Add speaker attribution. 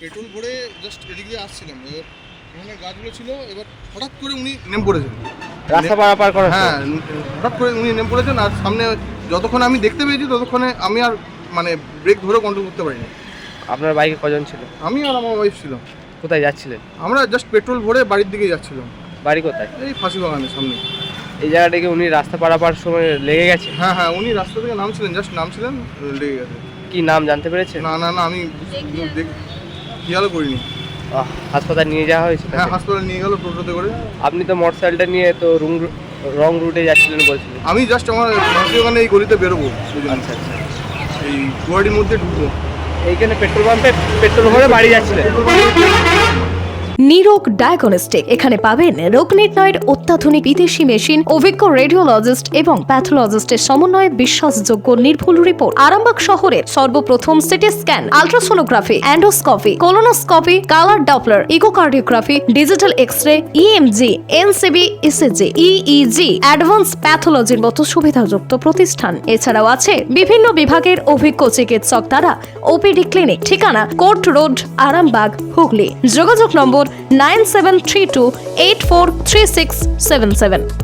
Speaker 1: Petrol ভরে just এদিক দিয়ে আসছিলাম, এবার এখানে গাছগুলো ছিল, এবার হঠাৎ করে উনি নেমে পড়েছেন
Speaker 2: রাস্তা পারাপার করার
Speaker 1: হ্যাঁ, হঠাৎ করে উনি নেমে পড়েছেন। আর সামনে যতক্ষণ আমি দেখতে পেয়েছি ততক্ষণে আমি আর মানে ব্রেক ধরে কন্ট্রোল করতে পারিনি।
Speaker 2: আপনার বাইকে কজন ছিল?
Speaker 1: আমি আর আমার ওয়াইফ ছিলাম।
Speaker 2: কোথায় যাচ্ছিলেন?
Speaker 1: আমরা জাস্ট পেট্রোল ভরে বাড়ির দিকে যাচ্ছিলাম।
Speaker 2: বাড়ি কোথায়?
Speaker 1: এই ফাঁসি বাগানের সামনে।
Speaker 2: এই জায়গাটাকে উনি রাস্তা পারাপার সময় লেগে গেছে?
Speaker 1: হ্যাঁ হ্যাঁ, উনি রাস্তা থেকে নামছিলেন, জাস্ট নামছিলেন, লেগে গেছে।
Speaker 2: কি নাম জানতে পেরেছেন?
Speaker 1: না না না, আমি খেয়ালও করিনি।
Speaker 2: হাসপাতাল নিয়ে যাওয়া হয়েছে?
Speaker 1: হ্যাঁ, হাসপাতালে নিয়ে গেল টোটোতে করে।
Speaker 2: আপনি তো মোটরসাইকেলটা নিয়ে তো রং রুটে যাচ্ছিলেন বলছিলেন।
Speaker 1: আমি জাস্ট আমার ফাঁসি বাগানে এই গলিতে বেরোবো,
Speaker 2: আচ্ছা আচ্ছা।
Speaker 1: এই গুয়াহাটির মধ্যে ঢুকবো।
Speaker 2: এইখানে পেট্রোল পাম্পে পেট্রোল ভরে বাড়ি যাচ্ছিলেন?
Speaker 3: নিরোগ ডায়াগনস্টিক, এখানে পাবেন রোগ নির্ণয়ের অত্যাধুনিক বিদেশি মেশিন, অভিজ্ঞ রেডিওলজিস্ট এবং প্যাথোলজিস্টের সমন্বয়ে বিশ্বাসযোগ্য নির্ভুল রিপোর্ট। আরামবাগ শহরের সর্বপ্রথম CT scan, ultrasonography, endoscopy, colonoscopy, colour Doppler, echocardiography, digital X-ray, EMG, NCB, ECG, EEG, advance প্যাথোলজির মতো সুবিধাযুক্ত প্রতিষ্ঠান। এছাড়াও আছে বিভিন্ন বিভাগের অভিজ্ঞ চিকিৎসক দ্বারা ওপিডি ক্লিনিক। ঠিকানা কোর্ট রোড, আরামবাগ, হুগলি। যোগাযোগ নম্বর 9732843677।